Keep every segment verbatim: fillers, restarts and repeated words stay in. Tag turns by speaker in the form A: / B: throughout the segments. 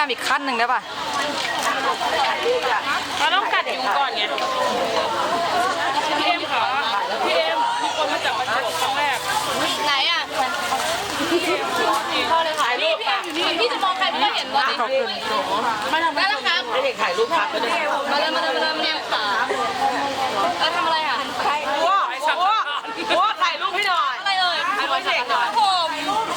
A: ามอีกขั้นหนึ่งได้ป่ะ
B: เราต้องกัดยุงก่อนไงพี่เอ็มค่ะพี่เอ็มมีคนมาจากประจวบครั้งแรก
C: ไหนอ่ะพ่อเลยถ่ายรูปพี่พี่จะมองใครไม่เห็นวะขอบคุณมาทำได้แล้วครับให้เด็กถ่ายรูปพักไปด้วยมาเลยมาเลยมาเลยมาเลยขาแล้วทำอะไรอ่ะใครวัววัววัวถ่ายรูปให้หน่อยอะไรเลยถ่ายรูปเด็กหน่อยผม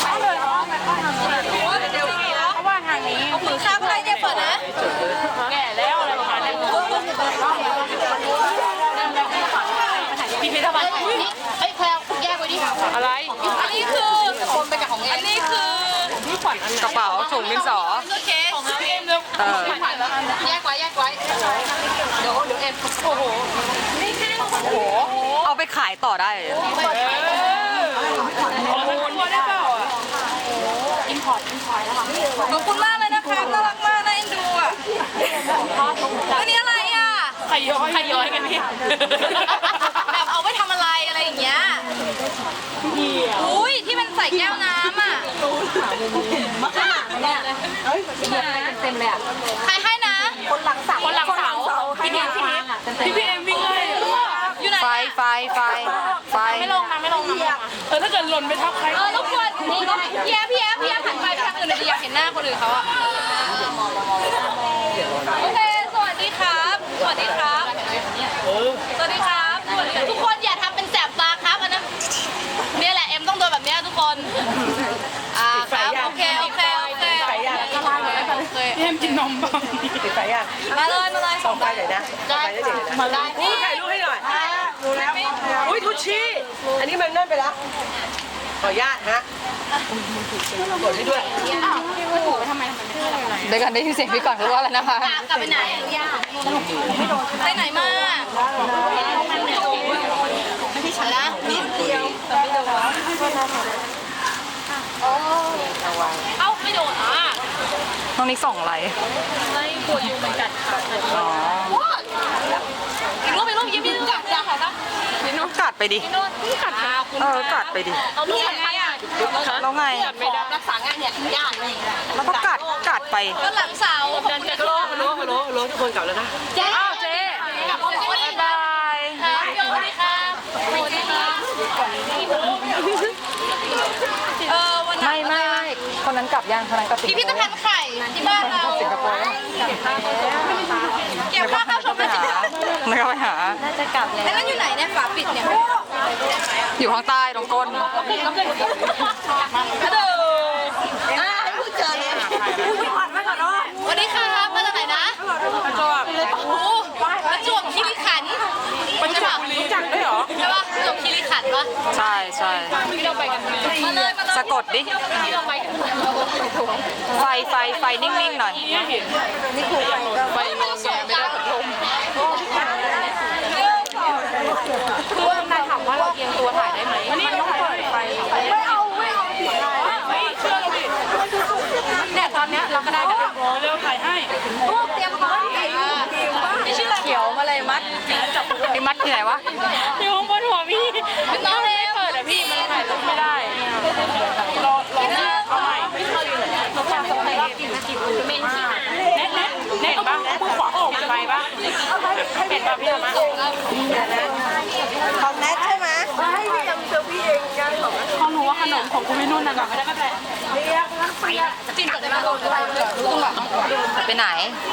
C: เดี๋ยวพี่แล้วเขาว่าทางนี้เอามือข้ามอะไรเนี่ยเปิดนะ
B: แก่แล้วอะไรประมาณนั้นพี่พิธภัณฑ์
C: เฮ้ยแพลแยกไว้ดิ
B: อะไร
C: อันนี้คือคนไปกับของเอ็มอันนี้คือ
B: พี่ขวัญอันไหน
A: กระเป๋าถุงดินสอ
C: เคสของพี่เอ็มเร็วแยกไว้แยกไว้เดี๋ยวเดี๋ยวเอ็มโอ้โหนี่แค่โอ้โห
A: เอาไปขายต่อได้เลย
C: อินพอร์ตอินพอร์ตแล้วค่ะขอบคุณมากเลยนะคะน่ารักมากน่าเอ็นดูอ่ะอันนี้อะไรอ่ะ
B: ไข่ย้อยไข่ย้อยกันนี่
C: แบบเอาไว้ทำอะไรอะไรอย่างเงี้ยอุ้ยที่มันใส่แก้วน้ำอ่ะมะขามเนี่ยเฮ้ยเต็มเลยอ่ะใครให้นะคนหลังเสา
B: คนหลังเสาพี่เอ็มพี่พี่เอ็มวิ่งเลย
C: อยู่ไหน
A: ไฟไฟไฟไฟ
B: ไม่ลงนะไม่ลงนะเออถ้าเกิดหล่นไปทับใคร
C: เออรบกวนนี่พี่แอฟพี่แอฟพี่แอฟหันไปทางอื่นเลยอยากเห็นหน้าคนอื่นเขาอ่ะโอเคสวัสดีครับสวัสดีครับสวัสดีครับสวัสดีทุกคนอย่าทำเป็นแสบตาครับอันนั้นเนี่ยแหละเอ็มต้องโดนแบบนี้ทุกคนอ่าครับโอเคโอเคโอเค
B: พี่เอ็มกินนมบ้าง
D: ติดไฟอ่ะ
C: มาเลยมาเลย
D: ส่องไฟหน่อยนะส่องไฟได้เด็กนะ
C: มาได้
D: นี่ถ่ายรูปให้หน่อยดูแล้วอุ้ยทุชี่อันนี้มันนั่นไปแล้วขออนุญาตฮะกดให้ด้วย
A: เดี๋ยวกันได้ยินเสียงพี่ก่อนพูดว่าอะไรนะคะ
C: กลับไปไหนไปไหนมาไม่ได้ฉันละนิดเดียวไม่โดนเอ้าไม่โดนอ่ะ
A: น้องนิกส่องอะไร
B: ไม่ปวดอยู่เหมือนกันค่ะ
A: อ๋อ
C: อีกรูปอีกรูปยิ้มยิ้มกัดจ้าค่ะจ้า
A: พี่นุ่นกัดไปดิ
C: กัด
A: เออกัดไปดิ
C: เราลูกยังไงอ่ะ
A: แล้วไง
C: ไม่ได้รักษางานเนี่ยยากเลย
A: แล้วก็กัดกัดไป
C: ก็หลังเสา
D: เดินกันโลโลโลโลทุกคนกลับแล้วนะ
C: เจ๊
A: อ้าวเจ๊
C: บายบายสวัสดีครับสวัสดีครับเออวัน
A: ไม่ไม่ไม่คนนั้นกลับยังคนนั้นกลับ
C: พิพิธภัณฑ์ไข่ที่บ้านเรา
A: สิงคโปร์
C: เก็บค่าเข้าชม
A: ไม่ก็ไปหา
C: น่าจะกลับแล้วแล้วอยู่ไหนเนี่ยฝาปิดเนี่ย
A: อยู่ข้างใต้ตรงก้น
C: กระโดดอ่าให้พูดเจอเลยสวัสดีค่ะมาจากไหนนะประจวบโอ้ประจวบคีรีขันธ์
B: ประจวบรู้จักด้วยเหรอ
C: ใช่ป่ะประจวบคีรีขันธ์ป่ะ
A: ใช่ใช่
B: พี่เราไปกันไหม
C: มาเลยมาเลย
A: สะกดดิ
C: พี่เราไปกัน
A: ไฟไฟไฟนิ่งๆหน่อย
B: นี่คือไปงงแงไม่ได้พัดลมคือนายถามว่าเราเอียงตัวถ่ายได้ไหมวันนี้เราถ่ายไป
C: ไม่เอาไม่เอา
B: ไม่เชื่อเราดิเนี่ยตอนเนี้ยเราก็ได้แบบรอเร็วถ่ายให้
C: พวกเตรียมพร้อมไม่ชื่ออะไร
A: เขียวมาเลยมัดพี่มัดที่ไหนวะ
B: อยู่ข้างบนหัวพี่
C: เป็นน้องเล็ก
B: เปิดอะพี่มันถ่ายรูปไม่ได้รอรอเอาใหม่เราทำสมัยกินกินเมนที่เน็ตเน็ตเน็ตบ้างผู้ขวาอกไปบ้างเน็ตบ้างพี่ธรรมะ
D: ของแนทใช่ไหมให้พี่ทำเซอร์พี่เองงานของ
B: ของหนูว่าขนมของคุณพี่นุ่นนะไม่ได้ก็แต่
D: เรียกนักเสีย
C: จินจะมาโดนอะไรต้องแบบ
A: ไปไหน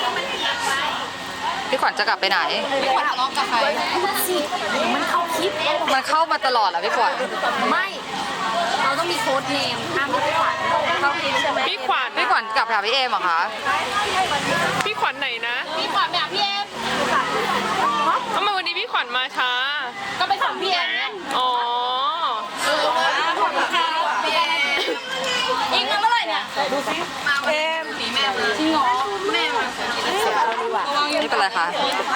A: พี่ขวัญจะกลับไปไหน
C: พี่ขวัญทะเลาะกับใครมันเข้าคลิป
A: มันเข้ามาตลอดเหรอพี่ขวัญ
C: ไม่เราต้องมีโค้ดเนมห้ามพี่ขวัญเข้าคลิปใช่ไหม
B: พี่ขวัญ
A: พี่ขวัญกลับหาพี่เอมเหรอคะ
B: พี่ขวัญไหนนะ
C: พี่ขวัญแบบพี่เอม
B: ทำไมวันนี้พี่ขวัญมาช้า
C: ก็ไปส่งพี่เอม
B: อ๋อ
C: เออขอบคุณค่ะพี่เอมยิงมาเมื่อไหร่เนี่ยดูสิเอมสีแม่จริงเหรอแม่มา
A: นี่เป็นไรคะ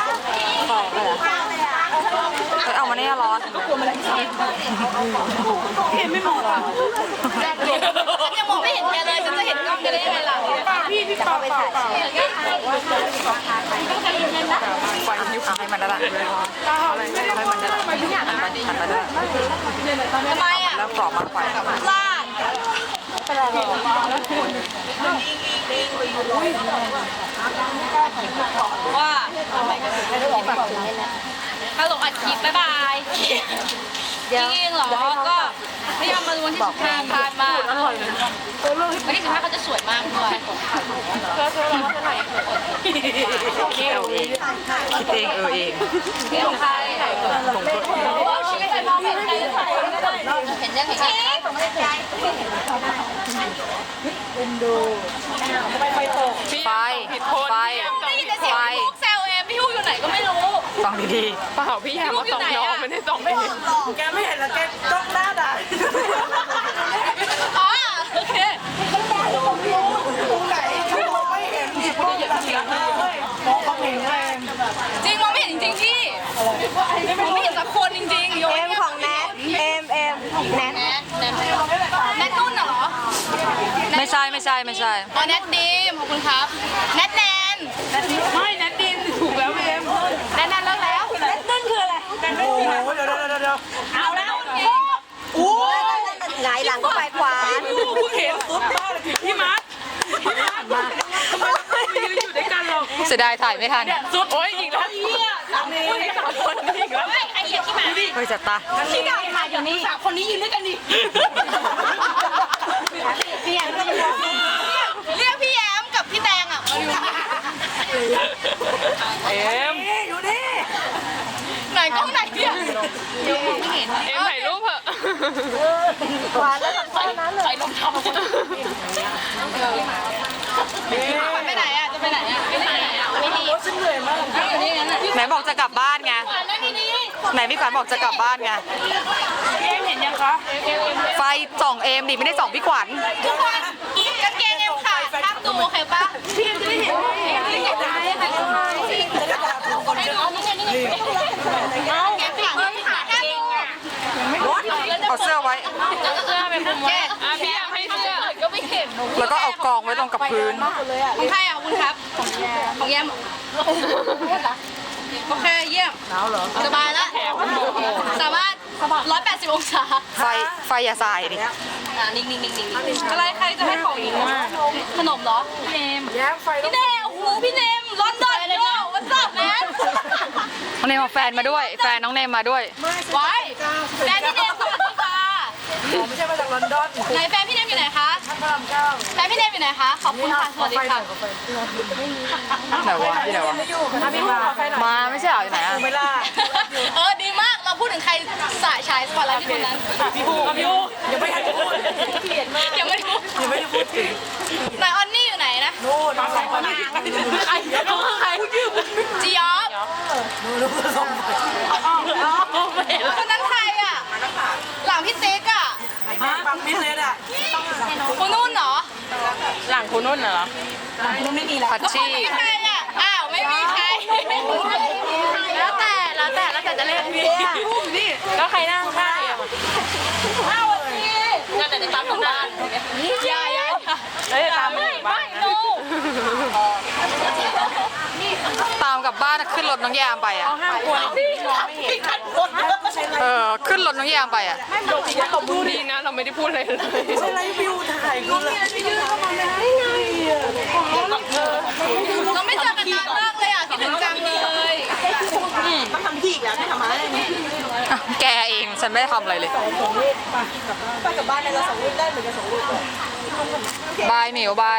A: เอามาเนี่ยร้อน
B: เห็นไม่มองหรอ
C: ยังมองไม่เห็นแกเลยฉันจะเห็นกล้องกันได้ยังไงล่ะ
B: พี่พี่ปาไปถ่าย
A: ไฟนิ้วให้มันได้ละให้มันได้ละหันมาหันมาด้วย
C: ทำไมอ่ะ
A: แล้วกรอบมากไฟ
C: ลาดเป็นไรหรอว่าฮัลโหลอัดคลิปบ๊ายบายจริงๆเหรอก็พยายามมาดูวันที่สิบห้าพลาดมากวันที่สิบห้าเขาจะสวยมากด้วย
A: คิดเอาเองคิดเองเออเอง
C: นี่ของใครของตัวชี้ใครมองเห็นใครจะถ่ายก็ได้เห็นยังเห็นยังส่งมาในใจ
A: ไฟไฟ
C: ได้ยินแต่เสียงพี่ฮูกแซวเองพี่ฮูกอยู่ไหนก็ไม่รู้
A: ฟังดี
B: เปล่าพี่แฮมมาส่องน้องไม่ได้ส่องเอง
D: แกไม่เห็นแล้วแกจ้องหน้าด่า
C: อ๋อโอเค
D: ตรงไหนเขามองไม่เห็นอีกมองแบบมองเขาเห็นแรง
C: จริงมองไม่เห็นจริงๆพี่มองไม่เห็นสักคนจริงๆโยน
E: เอ็มของแนทเอ็มเอ็มแนท
C: แนทแนทแนทนุ่นเหรอ
A: ๆไม่ใช่ไม่ใช่ไม่ใช่
C: อ๋อแนทดีมขอบคุณครับแนทแนน
B: ไม่นัดดินถูกแล้วเอ็ม
C: แนทแนนแล้วแล้ว
E: แนทนั่นคืออะไร
D: โอ้โหเดี๋ยวเดี๋ยวเดี๋ยว
C: เอาแล้วจริง
D: โอ้
E: หงายหลังก็ไปขวาน
B: กูเห็นสุดมากเลยพี่มาร์คพี่มาร์คมาทำไมเราไม่ยืนอยู่ด้วยกันหรอก
A: เสียดายถ่ายไม่ทัน
B: สุดโอ้ยอีกแล้วเฮียสามคนสามคนอีกแล้ว
C: ไม่ใครเหยียบที่หมา
A: เฮ้ยจัดตา
C: ที่เก่ามาอยู่นี่สามคนนี้ยืนด้วยกันดิพี่แอมเรียกพี่แอมกับพี่แตงอ่ะมาอยู่
B: เอ็ม
D: อยู่นี่
C: ไหนกล้องไหนเนี่ยไม่เห็น
B: เอ็มถ่ายรูปเถอะ
E: ขวานแล้วทำท่านั้นเลย
B: ใส่รองเท้า
C: ไปไหนอ่ะจะไปไหนอ่ะไปไหนอ่ะไม่ดี
D: ฉันเหนื่อยมาก
C: อยู่นี่งั้นอ่ะ
A: ไหนบอกจะกลับบ้านไง
C: นั่งดี
A: ไหนพี่ขวัญบอกจะกลับบ้านไง
B: เอ็มเห็นยังคะ
A: ไฟส่องเอมดิไม่ได้ส่องพี่ขวัญ
C: ๆทุกคนกางเกงเอ็มขาดห้ามดูโอเคปะพี่จะได้เห็นพี่จะได้เห็นได้ค่ะจริงให้ดูนี่ไงนี่ไงเอาแกขาดไม่ขาดห้ามดู
A: เอาเสื้อไว้
C: เสื้อเป็นผมแก
B: อ่ะพี่แอมให้เสื้อ
C: ก็ไม่เห็น
A: แล้วก็เอากองไว้ตรงกับพื้น
C: ของใครอ่ะคุณครับของแยมโอเคเยี่ยมสบายแล้วสามารถร้อยแปดสิบองศา
A: ไฟไฟอย่าสายดิ
C: อ่านิ่งนิ่งนิ่งนิ่งอะไรใครจะให้ของอีกขนมเหรอพี่เนม
D: แย้มไฟ
C: พี่เนมโอ้โหพี่เนมลอนดอนเลยเนี่ยวันสับแมน
A: น้องเนมเอาแฟนมาด้วย แฟนน้องเนมมาด้วย
C: ไว้แฟนพี่เนมสวัสดีค่ะ
D: ไม่ใช่มาจากลอนดอน
C: ไหนแฟนพี่เนมอยู่ไหนคะ
D: พระรามเก้า
C: แฟนพี่เนมอยู่ไหนคะขอบคุณค่ะสวัสดีค่ะ
A: ไหนวะพี่ไหนวะ
D: ไม่อยู่ค่ะพี่มาไฟหน่อย
A: มาไม่ใช่เหรออยู่ไหนอะ
D: ไม่ล่า
C: เออดีมากเราพูดถึงใครสายชายสปอตไลท์ที่คนนั้น
D: พี่ฮูพี่ฮูยังไม่ทันจะพูดเปลี่ยนมาก
C: ยังไม่รู้
D: ยังไม่ได้พูดถึง
C: ไหนออนนี่อยู่ไหนนะ
D: โน่นสองคนนี้
B: ใครเขาคือใคร
C: จียอฟ
D: รู้สองคน
C: คนนั้นใครอ่ะหลังพี่ติ๊กอ่ะ
D: ปังมิดเลยอ่ะ
C: คนนู้นเหรอ
B: หลังคุณนุ่นเหรอ
A: พัชชี่
C: ไม่ใครอ่ะอ้าวไม่มีใครแล้วแต่แล้วแต่แล้วแต่จะเล่นพี่
B: แล้วใครนั่งข้างเอ็ม
C: อ้าวพี่งั้นแต่จะตามคนนั้นยายยาย
B: เอ้ยตาม
C: ไม่
B: บ้า
C: ไม่
B: น
C: ดู
A: ตามกลับบ้านขึ้นรถน้องแยมไปอ่ะ
B: ห้ามควร
C: พี่ขัดคน
A: เออขึ้นรถน้องแยมไปอ่ะ
B: ดีนะเราไม่ได้พูดอะไรเลย
D: ใช่ไรวิวถ่ายกูเลย
C: เราไม่เจอกันนานมากเลยอ่ะคิดถึงจังเลย
D: ต้องทำที่อีกแล้วไม่ทำอะไร
A: อ่ะแกเองฉันไม่ได้ทำอะไรเลย
D: ไปกับบ้านในเราสองลูกได้เหมือนกันสองลูก
A: บายหมิวบาย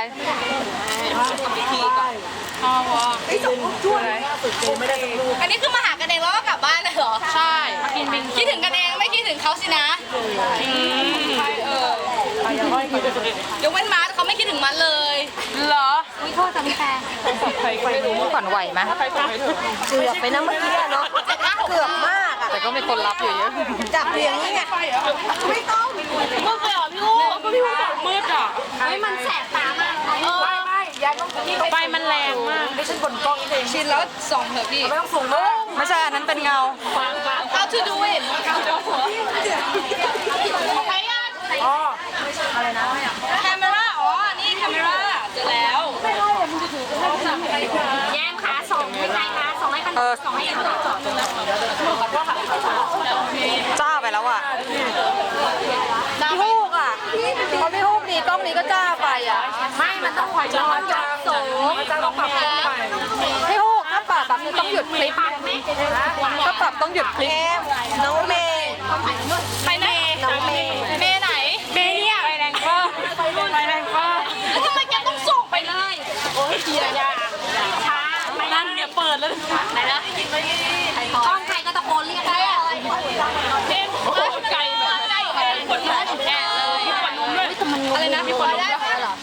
C: อ๋อวะ
D: ไอ้สองลูกช่วยสุดเจไม่ได้สักลูก
C: อันนี้คือมาหากันเองแล้วก็กลับบ้านเลยเหรอใช่มากินบินคิดถึงกันเองไม่คิดถึงเขาสินะเออยกเว้นมาร์ทเขาไม่คิดถึงมันเลย
B: เหรอ
C: อุ้ยโทษจ้ะพี่แฟน
B: ใครไม่รู้
A: ขวัญไหวไหม
B: ใครส่งให้เธอ
E: เกือบไปนะเมื่อกี้อะเนาะเกือบมากอะ
A: แต่ก็มีคนรับอยู่เยอะ
E: จับเรียงนี่ไงไม่ต้อง
C: มืดเลยเหรอพี่ลูก
B: ก็พี่บอกมืดอ่ะ
C: เฮ้ยมันแสบตามากเออ
B: ไฟมันแรงมาก
D: ไม่ฉันบนกล้องเอง
C: ชินแล้วส่องเถอะพี่
D: ไม่ต้องสูงมาก
A: ไม่ใช่อันนั้นเป็นเงา
C: How to do it ใครอ่ะ
D: อ๋อ
C: แคมเมราอ๋อ นี่แคมเมราเจอแล้วแย่งขาสองไม่ใช่ขาสองให้กัน
A: เออ
C: สองให้กันสอง
A: จ้าไปแล้วอ่ะ
C: พี่
E: พี่ฮูกอะ
A: พอพี่ฮูกดีกล้องนี้ก็จ้าไปอ่ะ
B: ไม่มันต้องคอยจ้องจับสูงต้องปรับไป
A: พี่ฮูกถ้าปรับแบบนี้ต้องหยุดคลิปถ้าปรับต้องหยุดคลิป
E: น้องเมย์
C: ไปไหน
E: น้องเมย์
C: เมย์ไหน
B: เมเนี่ยไปแรงก็ไปแรงก็
C: แล้วทำไมแกต้องส่งไปเลย
B: โอ้ยเกียร์ยาช้าไม่นั่นเดี๋ยวเปิดแล้ว
C: ไหนนะกล้องใครก็ตะโกนเรียกได้อะ
B: เอ็มโอ้ไก่แบบไก่แอบคนนุ่มแอบเลยมีคนนุ่มด้วยอะไรนะมีคนนุ่มด้วย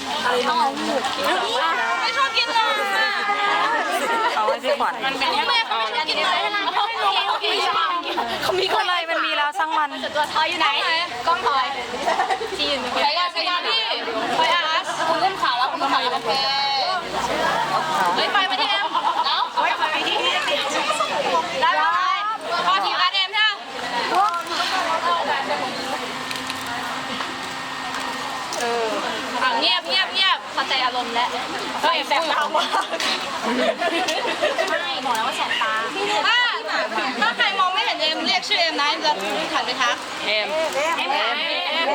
C: ไม่ชอบกินเลย
A: เอาไว้พี่ขวัญ
B: มันเป็น
C: แม่เขาไม่ชอบกินเลยโอเคชอบกิน
A: เขามีอะไรมันมีแล้วช่างมัน
C: ตัวทอยอยู่ไหนกล้องทอยจีนใครอะใครอะพี่ไปอาร์ตคุณเล่นข่าวแล้วคุณข่าวอยู่โอเคเฮ้ยไปมาที่แอมเอ้าได้ไหมพอทีมอาร์เอ็มใช่ไหมเอออ่ะเงียบเงียบเงียบเข้าใจอารมณ์แล้วเฮ้ยแสบตามากไม่บอกแล้วว่าแสบตาถ้าถ้าใครมองไม่เห็นเอ็มเรียกชื่อเอ็มนะจะหันไปทัก
B: เอ็ม
C: เอ็มเอ็มเอ็ม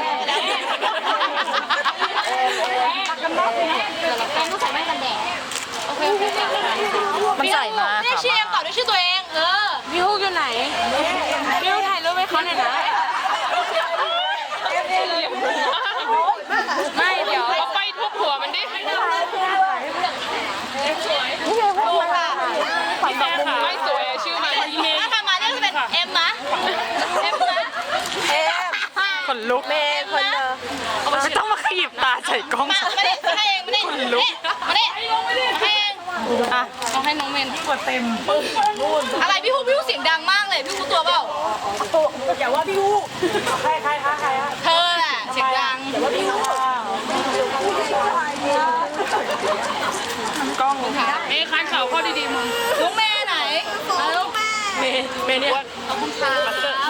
C: ต้องใส่แว่นกันแดดโอเคโอเค
A: มันใส่มา
C: เรียกชื่อเอ็มต่อด้วยชื่อตัวเองเออ
B: พี่ฮูกอยู่ไหนพี่ฮูกถ่ายรูปให้เขาหน่อยนะไม่เดี๋ยวเอาไฟทุบหัวมันดิพี่แม่ค่ะไม่สวยชื่อมัน
C: ถ้าใครมาเรียกจะเป็นเอ็มนะเอ็มนะ
E: เอ็ม
A: ขนลุก
E: เมย์คนเดิม
A: ไม่ต้องมาขยิบตาใส่กล้อง
C: มาไม่ได้ให้เองไม่ได้มาได้มาได้ให้เอง
A: อ่ะ
C: ต้องให้น้องเมนกดเต็มอะไรพี่ฮูพี่ฮูเสียงดังมากเลยพี่ฮูตัวเปล่า
D: อย่าว่าพี่ฮู้ใครใครคะใครฮะ
C: เธอแหละเสียงดัง
D: อย่าว่าพี่ฮู้
A: กล้อง
B: เอ้คันเขาเข้าดีๆมึง
C: น้องเมย์ไหนน้องเมย์
B: เมย์เมย์เนี่ย
C: ขอบคุณค่ะ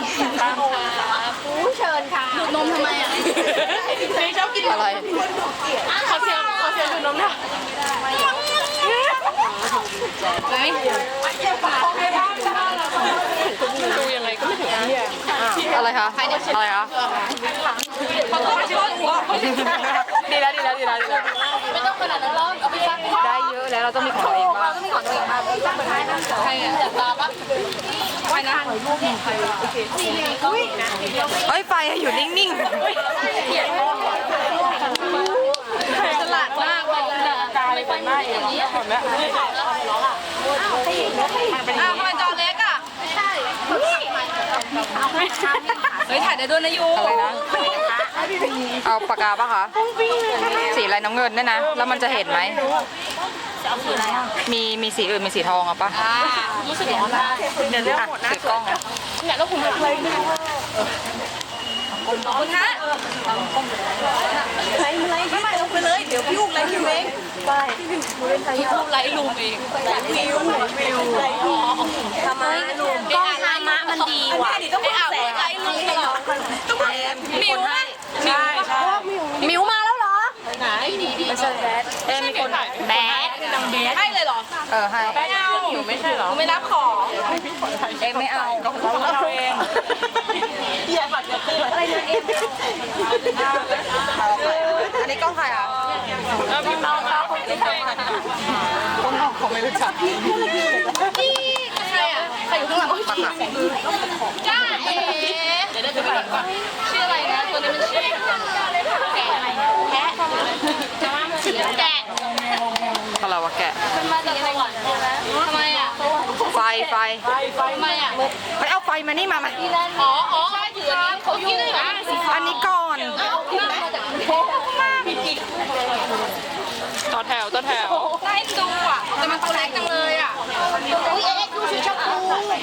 C: ผู้เชิญค่ะดูดนมทำไมอ่ะ
B: เมย์ชอบกิน
A: อะไร
B: ขอเสียงขอเสียงดูดนมนะ
C: ไหน
B: ดูยังไงก็ไม่ถึงที่อ่ะ
A: อะไรคะอะไรคะ
C: ขอโทษขอโทษหัว
A: ดีแล้วดีแล้วดีแล้วดีแล้ว
C: ไม่ต้องขนาดนั้นหรอกเอาไปซัก
A: ได้เยอะแล้วเราต้องมีของตัวเองบ้าง
C: ต้องมีของตัวเองมาซักไปท้ายนะใครอ่ะตาปะไปนะ
A: เฮ้ยไฟอยู่นิ่ง
C: ฉลาดมากบอกเลยไม่ไปไม่อย่างนี้อ้าวทำไมจอเล็กอ่ะใช่เฮ้ยถ่ายได้ด้วยนะยู
A: ๆอะไรนะ เอาปากกาปะคะ สีอะไรน้ำเงินเนี่ยนะ แล้วมันจะเห็นไหม มีมีสีอื่นมีสีทองอ่ะปะ
C: อ่ารู้สึกร้อนละ
A: เดี๋ยวเรื่องหมดนะถือกล้อง
C: เนี่ยแล้วคุณทำอะไรไม่รู้คุณฮะ
E: ไม่ไม่ไม่ลงไปเลย เดี๋ยวพี่อุ้มอะไรพี่เมย์ไป
C: พี่พูดไลฟ์ลุมเอง
E: วิววิวทำไมลูก
C: กล้องธรรมะมันดีว่ะต้องพูดแสงไลฟ์ลุมตลอดต้องพูดมิวไหมมิวปะ
E: มิวมาแล้วเหรอ
C: ไหนดีดีไม่ใช่แบด
A: เอ้มีคน
C: แบดให้เลยเหรอ
A: เออให้
C: ไม่เอาไม่ใช่เหรอไม่รับของ
A: เอ็มไม่เอา
B: เราเอง
E: อะไรนะเอ็ม
A: อันนี้กล้องใครอ่ะ
B: เออพี่น้องเขาคนที่ใคร
A: กล้องน้องเขาไม่รู้จัก
C: นี่ใครอ่ะใครอยู่ข้างหลังจ้าเอ๋เดี๋ยวเดี๋ยวจะไปก่อนชื่ออะไรนะตัวนี้มันชื่อแกะอะไรแกะแกะ
A: อะไรวะแกะ
C: มันมาจากสวรรค์ใช่ไหมทำไมอ่ะ
A: ไฟไฟ
C: ทำไมอ่ะ
A: ไปเอาไฟมานี่มามา
C: อ๋ออ๋อใช่ถืออันนี้เขาอยู่อ่ะ
A: อันนี้ก่อน
C: เอาที่มาจากกรุงเทพ
B: ต่อแถวต่อแถว
C: ได้ดูอ่ะแต่มันตัวเล็กจังเลยอ่ะอุ้ยเอ็กซ์ดูสีชมพู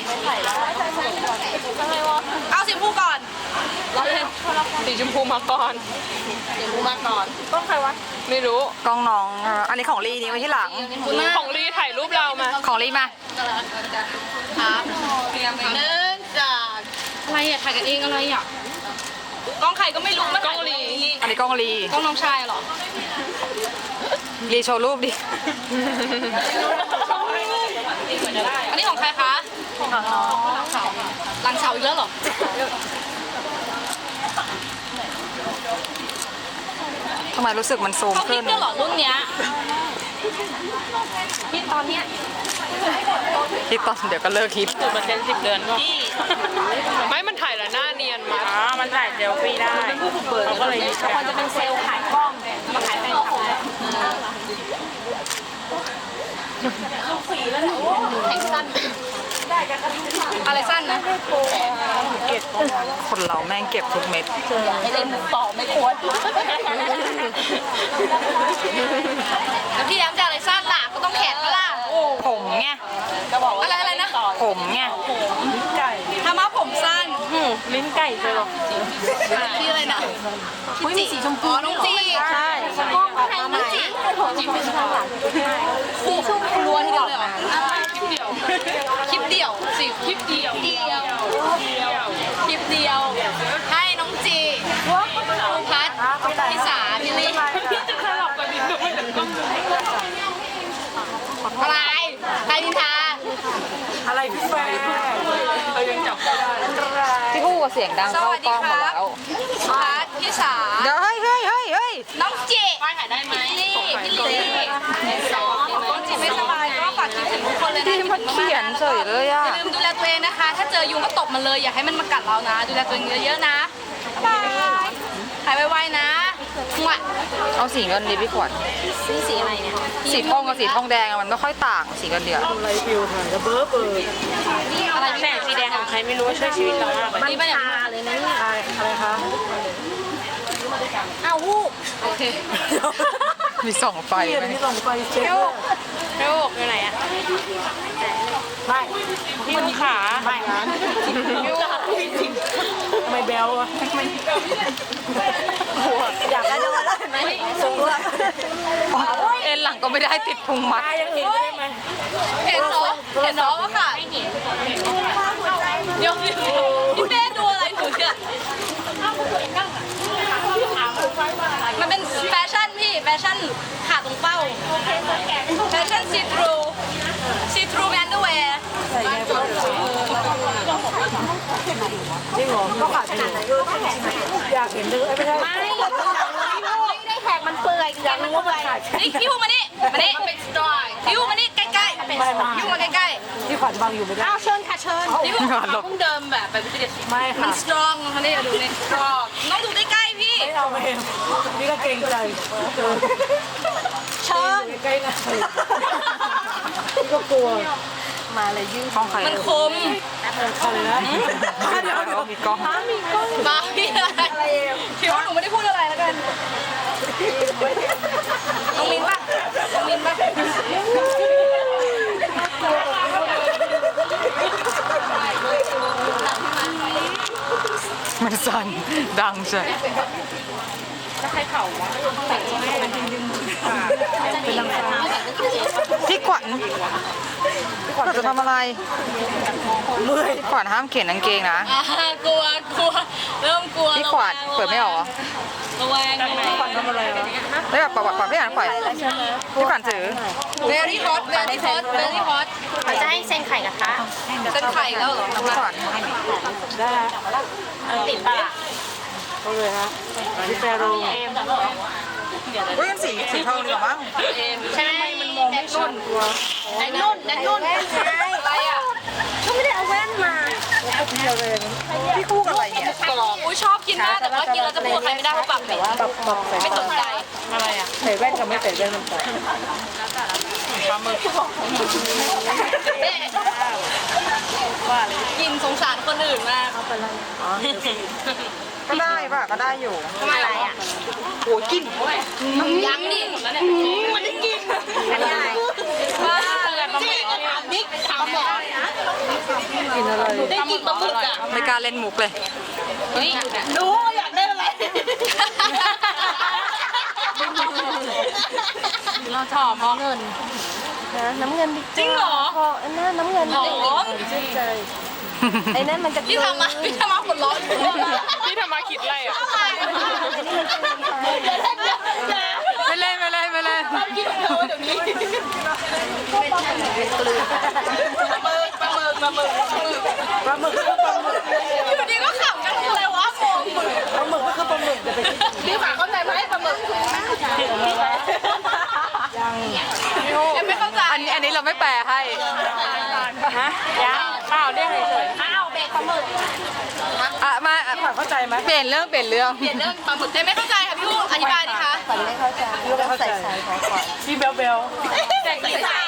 C: เอาสีชมพูก่อนร้อยเลย
B: สีชมพูมาก่อน
C: สีชมพูมาก่อนต้องใครวะ
B: ไม่รู้
A: กล้องน้องเอออันนี้ของลีนี่ไว้ที่หลัง
C: คุณมาก
B: ของรีถ่ายรูปเรามา
A: ของลีมา
C: ครับเตรียมเนื่องจากอะไรอ่ะถ่ายกันเองอะไรอ่ะกล้องใครก็ไม่รู้มัน
B: กล้องลี
A: อันนี้กล้องลี
C: กล้องน้องชายเหรอ
A: ลีโชว์รูปดิ
C: อันนี้ของใครคะของน้องหลังเสาอีกแล้วเหรอ
A: ทำไมรู้สึกมันซูม
C: เขาคิ
A: ขึ้
C: ด
A: น
C: ด้วยเหรอรุ่นเนี้ยคิดตอนเนี้ย
A: คิดตอนเดี๋ยวก็เลิกคิด
B: สิบเปอร์เซ็นต์สิบเดือนก็ไม่มันถ่ายแล้วหน้าเนียนมาอ๋อมันถ่ายเซลฟี่ได้เขาก็เลยเขาควรจะเป็นเซลล์ขายกล้องมาขายแฟนคลับ
C: แข่งสั้นอะไรสั้นนะ
A: คนเราแม่งเก็บทุกเม็ด
C: ไม่เล่นมุกต่อไม่ควรแล้วพี่แอมจะอะไรสั้นล่ะก็ต้องแขนก็ล่ะ
A: ผมไง
C: อะไรอะไรนะ
A: ผมไง
C: ทำมาผมสั้น
B: ลิ้นไก่เลยหรอ
C: พี่อะไรนะพี่จีสีชมพูน้องจีใช่น้องจีจีเป็นข้างหลังสีชมพูล้วนทีเดียวเลยเหรอคลิปเดียวสิคลิปเดียวเดียวคลิปเดียวให้น้องจีพัดพี่สาพี่ลี่
B: พี่จะสลับกับลิ้นด้วยแต่ก็
C: อะไรใครนินทา
D: อะไรพี่แฟร์
B: เรายังจับไม่ได้
A: ที่พูดกับเสียงดัง
C: ส
A: เข้า
C: วัส
A: ก
C: ดี
A: ล้อง
C: ค
A: หมด
C: รับ
A: แล้ว
C: พัดพี่สา
A: เดี๋ยวเฮ้ยเฮ้ยเฮ้ยเฮ้ย
C: น้องจีถ่ายได้ไหมพี่พี่ลี่น้องจีไม่สบายก็ฝากคิดถึงทุกคนเลยนะ
A: ที่มันเขียนเฉยเลย
C: อ
A: อ่ะ
C: ย่าลืมดูแลตัวเองนะคะ ถ้าเจอยุงก็ตบมันเลย อย่าให้มันมากัดเรานะ ดูแลตัวเองเยอะๆนะบ๊ายบายหายไวๆนะหวะ
A: เอาสีเงินดีพี่ขวัญ
C: นี่สีอะไรเนี่ย
A: สีทองกับสีทองแดงอะมันไม่ค่อยต่างสีเงินเดียว
D: อะไรฟิวถ่ายจะเบ้อเปิด
C: อะไร
B: แสงสีแดงของใครไม่รู้ช่วยชีวิตเรามากเลย
C: นี่มันชาเลยนะเนี่ย
D: อะไรอะไรคะ
C: อ้าววูบโอเค
A: มีส่องไฟ
D: เปลี่ยน
A: ไหม
D: นี่ส่งไปเช็ค
C: เร็วเร็วอยู่ไหนอะ
D: ไม่
B: พี่ลูกขา
D: ไม่ร้านทำไมแบลอะอยากได้จะมาได้ไหมสูงละ
A: เอ็นหลังก็ไม่ได้ติดพุงมัด
D: ยังอื่นได้ไหม
C: เห็นเหรอเห็นเหรอว่าค่ะเดี๋ยวพี่เป้ดูอะไรหนูเนี่ยมันเป็นแฟชั่นพี่แฟชั่นขาตรงเป้าแฟชั่นซีทรูซีทรูแมนด์แวร์
D: จริงเหรอก็ขาดขนาดไหนอยากเห็นเลยไม่ใช่
C: ไม่ไม่ได้แขกมันเปื่อยอยากรู้ว่ามันขาดนี่พี่พูมานี่มานี่พี่พูมานี่ใกล้ๆพี่พูมาใกล้
D: ที่ขวัญบังอยู่ไม่ได้
C: ๆอ้าวเชิญค่ะเชิญพี่พูเพิ่งเดิมแบบแบบวิทยาศาสตร์
D: ไม่
C: มั
D: ค่ะ
C: นสตรองมานี่ดูนี่สตรองต้องดูใกล้ๆพี่
D: ไม่เอามาเองนี่ก็เกรงใจ
C: เชิญ
D: ใกล้ๆนะนี่ก็กลัว
A: ห้องใคร
C: มันคม
D: อะไรนะเดี๋ยว
A: เดี๋ยวมีกล้อง
C: มาพี่อะไรคิดว่าหนูไม่ได้พูดอะไรแล้วกันน้องมินป่ะน้องมินป่ะ
A: มันสั่นดังใช่ พี่ขวัญพี่ขวัญจะทำอะไรเมื่อยพี่ขวัญห้ามเขียนกางเกงนะ
C: อ่ากลัวกลัวเริ่มกลัว
A: พี่ขวัญเปิดไม่ออกเหรอ
C: ระแวง
D: ขวัญทำอะไรวะ
A: ได้แบบปรับปรับพี่ขวัญปล่อยพี่ขวัญถือ
C: very hot very hot very hot
E: จะให้เซ็นไข่กระทะ
C: เส้นไข่แล้วเหรอ
A: พี่ขวัญ
D: ได้ฮะ
E: ติดปะล่ะ
D: เอาเลยฮะพี่แฟร์โร
A: เฮ้ยมันสีสีทองดีกว่ามั้ง
E: ใช่มันมองไม่นุ่นแนนนุ่นแนนนุ่น
C: อะไรอ่ะ
E: ก็ไม่ได้เอาแว่นมา
A: พี่คู่กับอะไรเนี่ย
C: อุ้ยชอบกินมากแต่ว่ากินแล้วจะพูดใครไม่ได้เพราะปากเหม็น
D: ปรับปรับใส่
C: ไม่สนใจ
B: อะไรอ่ะ
D: ใส่แว่นกับไม่ใส่แว่นมันต่าง
C: กินสงสารคนอื่นมาก
A: ก็ได้ป่ะก็ได้อยู่
E: ทำอะไรอ่ะ
A: โอ้ยกิน
C: ยังดิมันได้กิน
E: อันนี้อะไร
C: บ้าจริงถามนิกถามหมอ
D: กินอะไร
C: ได้กินปลาหมึกอ่ะ
A: ไม่กล้าเล่นมุกเลย
C: เฮ้ยรู้ว่าอยากได้อะไรเราถอมเงิน
E: น้ำเงินดิ
C: จริงเหรอ
E: พออันนั้นน้ำเงิน
C: หอม
E: ชื่นใจไอ้นั่นมันจะ
C: พี่ทำมาพี่ทำมาหัวร้อน
B: พี่ทำมาคิดอะไรอ่ะ
A: ไม่เล่นไม่เล่นไม่เล่น
C: กินเธอเดี๋ยวนี้ปลาหมึกปลาหมึกปลาหมึก
D: ปลาหมึกก็ปลาหมึก
C: อยู่ดีก็ขำกันคืออะไรวะโมงหมึก
D: ปลาหมึกก็คือปลาหมึกจะไป
C: พี่ฝาเข้าใจไหมปลาหมึก
A: ไม่แปลให้
B: ฮะยังเปล่าเรียกเฉย
C: อ้าวเบรกปลาหมึก
A: อ่ะมาอ่ะ
D: เข้าใจไหม
A: เปลี่ยนเรื่องเปลี่ยนเรื่อง
C: เปลี่ยนเรื่องปลาหมึกได้ไม่เข้าใจค่ะพี่อู๋อธิบายดิคะ
D: พี่เบลเบล
C: ใสใส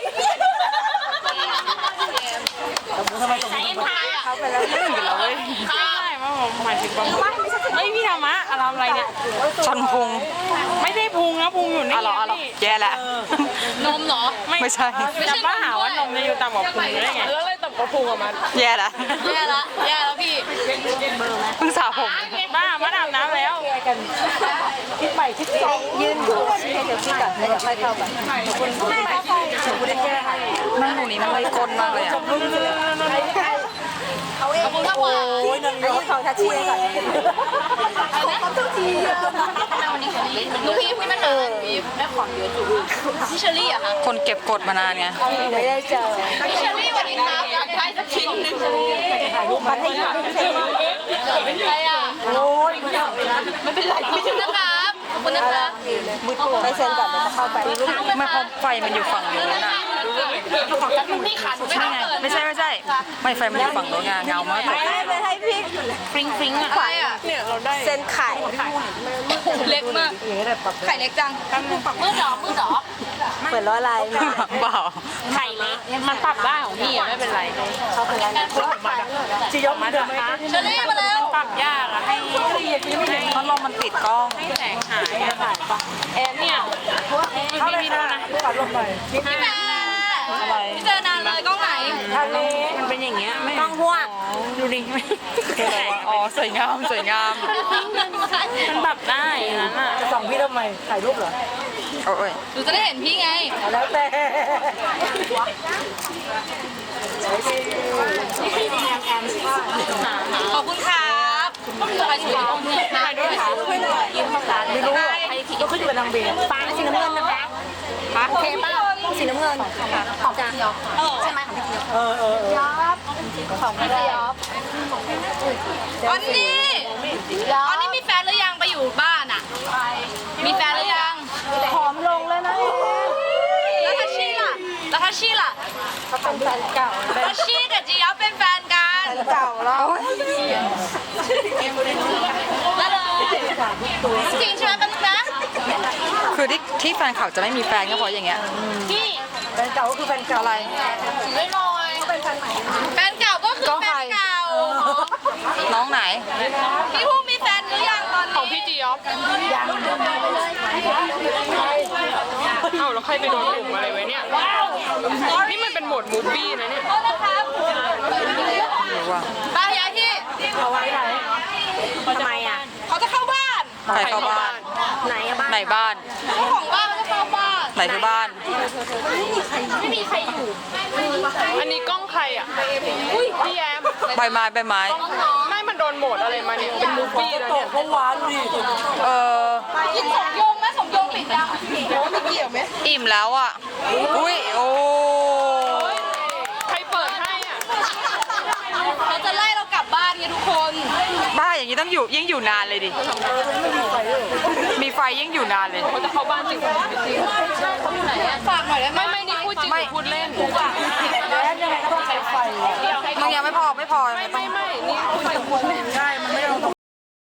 D: ทำไมตรง
C: ใส
D: นี้
C: เอ็นพายอ่ะ
B: ๆไม่ใช่มาผมหมายถึงบางคนเฮ้ยพี่ธรรมะอะไรอะไรเนี่ย
A: ชนพุง
B: ไม่ได้พุงนะพุงอยู่นี่
A: อ๋อเหรออ๋อเหรอ
B: นี่
A: แย่แล้ว
C: นมเหรอ
A: ไม่ใช่
B: จะบ้าหาว่านมจะอยู่ต่ำกว่าพุงได้ไง
D: แล้วเลยตบกระพุงออกมา
A: แย่แล้ว
C: แย่ละแย่แล้วพี่
A: เพิ่งสระผม
B: บ้ามาอาบน้ำแล้ว
D: คิดใหม่คิดสอง
E: ยืนอยู่ให้เดี๋ยวพี่ก่อนแล้วเดี๋ยวค่อยเข้าไป
A: นั่งตรงนี้มันเลยก้นมากเลยอ่ะ
C: ขอบคุณมากกว่า
D: โอ้ยนาง
E: ยืนของทัชชี่ก่อน
C: ลูกพี่พี่มันหาพี่แม่ของเยอะจุ๊พี่เชอรี่อะค่ะ
A: คนเก็บกดมานานไง
E: ไม่ได้เจอ
C: พี่เชอรี่สวัสดีครับอยากได้สักชิ้นหนึ่ง
E: พัทยาไม่ใช่
C: ใครอะ
D: โอ้ย
C: ไม่เป็นไรขอบคุณนะครับขอบคุณนะครับ
E: ไปเซ็นก่อนเดี๋ยวจะเข้าไป
A: ไม่พอไฟมันอยู่ฝั่งนู้นอ่ะ
C: ลูกพี่ขาดไม่ได้เกิน
A: ไม่ใช่ไม่ใช่ ไม่ไฟมันอยู่ฝั่งนู้นไงเงามากเลย
E: ไปให้พี่
B: ฟริงฟริงอะ
C: อะไรอะ
B: เนี่ยเราได้
E: เซ็นไข่
C: เล็กมากไข่เล็กจังมืดหรอมืดหรอ
E: เปิดล้อลาย
A: เปล่า
B: ไข่เล็กมันปรับได้ของพี่อะไม่เป็นไร
E: เข้าไปแล้วนะ
D: จียกมาเดิมไหม
C: เชอรี่มาแล้ว
B: ปรับยากอะให้ให้
A: พัดลมมันปิดกล้อง
B: ให้แสงหายอะแอนเนี่ยพี่มีด้วยนะ
D: ปัดลงไป
C: พี่แม่
A: อะไร
C: พี่เจอนานเลยกล้องไหน
D: ทางนี้
B: มันเป็นอย่างเงี้ยไม่
E: ต้องห่วง
B: ดูดิ
A: คืออะไรวะอ๋อสวยงามสวยงาม
B: มันปรับได้อย่างนั้นอะ
D: จะส่องพี่ทำไมถ่ายรูปเหรอ
A: โอ้ย
C: หนูจะได้เห็นพี่ไง
D: แล้วแต่
C: ขอบคุณครับใครสวยต้องเนี่ยถ่ายด้วยค่ะ
E: ยืนข้างหลัง
D: ไม่รู้อ่ะก็ขึ้นเป็นนางเบล
E: ฟ้าสีน้ำเงินนะคะโอเคป่ะสีน้ำเงินของพี่ยอใช่ไหมของพี่ยอ
D: เออเออเออ
E: ของพี่ยอ
C: อันนี้อันนี้มีแฟนหรือยังไปอยู่บ้านอ่ะ มีแฟนหรือยัง
E: ผอมลงแล้วนะ
C: แล้วทัชชี่ล่ะแล้วทัชชี่ล่ะ
E: เขาเป็นแฟนเก่า
C: ทัชชี่กับจียอเป็นแฟนกัน
E: เก่าแล้ว
C: แล้วเลยจริงใช่ไหมแป๊บนึงนะ
A: คือที่ที่แฟนเขาจะไม่มีแฟนก็เพราะอย่างเงี้ย
C: พี่
D: แฟนเก่าก็คือแฟนเก่า
A: อะไร
C: ถือไว้หน่อยแฟนเก่าก็คือแฟนเก่า
A: น้องไหน
C: พี่ผู้มีแฟนหรือยังตอนนี้
B: ของพี่จีออฟเอ้าแล้วใครไปโดนหลุมอะไรไว้เนี่ยนี่มันเป็นโหมดมูฟวี่นะเนี่ย
C: โทษนะครับ
A: หรือว่า
C: ไปย้ายที่
D: เอาไว้ไหน
E: ทำไมอ่ะ
C: เขาจะเข้าบ้าน
A: ใครเข้าบ้าน
E: ไหนอะบ้าน
A: ไหนบ้าน
C: เจ้าของบ้านเขาจะเข้าบ้าน
A: ไหนคือบ้าน
C: ไม่มีใครอยู่
B: อันนี้กล้องใครอ่ะพี่แอม
A: ใบไม้ใบไม้
B: ไม่มันโดนโหมดอะไรมาเนี่ยเป็นมูฟวี่แล้ว
D: ต
B: เนี่
D: ก
B: ย
D: ก็หวานดิ
A: เออ
C: กินสมยงไหมสมยงปิดยัง
A: อิ่มแล้วอ่ะ อุ้ย โอ้
B: ใครเปิดให้อ่ะ
C: เขาจะไล่เรากลับบ้านไงทุกคน
A: บ้าอย่างนี้ต้องอยู่ยิ่งอยู่นานเลยดิ มีไฟยิ่งอยู่นานเลย
B: เขาจะเข้าบ้านจริง
C: ไหนอะฝากหน่อยได้ไหม
B: ไม่ไม่นี่พูดจริง
A: ไม่
B: พูดเล่น
D: แล้วยังไงก็ต้องใช้ไฟ
A: มึงยังไม่พอไม่พอ
B: ไม่ไม่ไม่นี่พูดจริงพูด